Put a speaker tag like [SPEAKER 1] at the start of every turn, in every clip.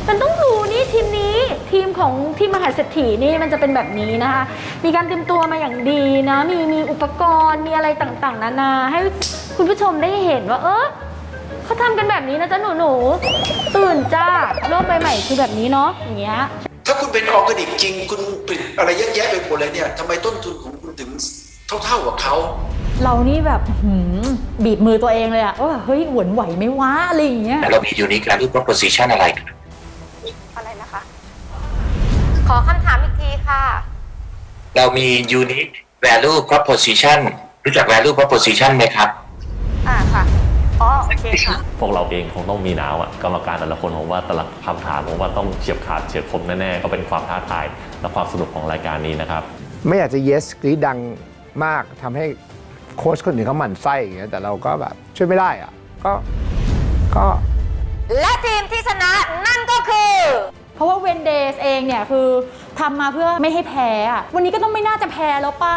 [SPEAKER 1] มันต้องรู้นี่ทีมนี้ทีมของทีมมหาเศรษฐีนี่มันจะเป็นแบบนี้นะคะมีการเตรียมตัวมาอย่างดีนะมีอุปกรณ์มีอะไรต่างๆนานาให้คุณผู้ชมได้เห็นว่าเขาทำกันแบบนี้นะจ๊ะหนูตื่นจ้าโลกใบใหม่คือแบบนี้เนาะอย่างเงี้ย
[SPEAKER 2] ถ้าคุณเป็นออร์แกนิกจริงคุณผลิตอะไรเยอะแยะไปหมดเลยเนี่ยทำไมต้นทุนของคุณถึงเท่ากับเขา
[SPEAKER 1] เรานี่แบบบีบมือตัวเองเลยอะว่าเฮ้ยหวนไหวไหมวะอะไรอย่างเงี้ย
[SPEAKER 3] เรามี unique value proposition อะไร
[SPEAKER 4] นะคะ ขอคำถามอีกทีค่ะ
[SPEAKER 3] เรามี unique value proposition รู้จัก value proposition ไหมครับ
[SPEAKER 4] ค่ะโอเคค่ะ
[SPEAKER 5] พวกเราเองคงต้องมีหนาวกรรมการแต่ละคนผมว่าแต่ละคำถามผมว่าต้องเฉียบขาดเฉียบคมแน่ๆก็เป็นความท้าทายและความสนุกของรายการนี้นะครับ
[SPEAKER 6] ไม่อยากจะ yes กรี๊ดดังมากทำให้โค้ชคนอื่นเขาหมั่นไส้อย่างเงี้ยแต่เราก็แบบช่วยไม่ได้อะก็
[SPEAKER 4] และทีมที่ชนะนั่นก็คือ
[SPEAKER 1] เพราะว่าเวนเดสเองเนี่ยคือทำมาเพื่อไม่ให้แพ้อะวันนี้ก็ต้องไม่น่าจะแพ้แล้วป่ะ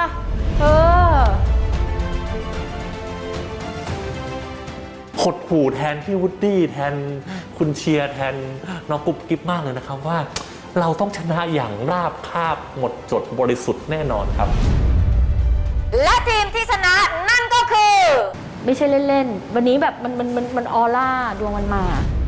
[SPEAKER 5] หดหู่แทนพี่วูดดี้แทนคุณเชียร์แทนน้องกุ๊บกิ๊บมากเลยนะครับว่าเราต้องชนะอย่างราบคาบหมดจดบริสุทธิ์แน่นอนครับ
[SPEAKER 4] และทีมที่ชนะนั่นก็คือ
[SPEAKER 1] ไม่ใช่เล่นๆวันนี้แบบมันออร่าดวงมันมา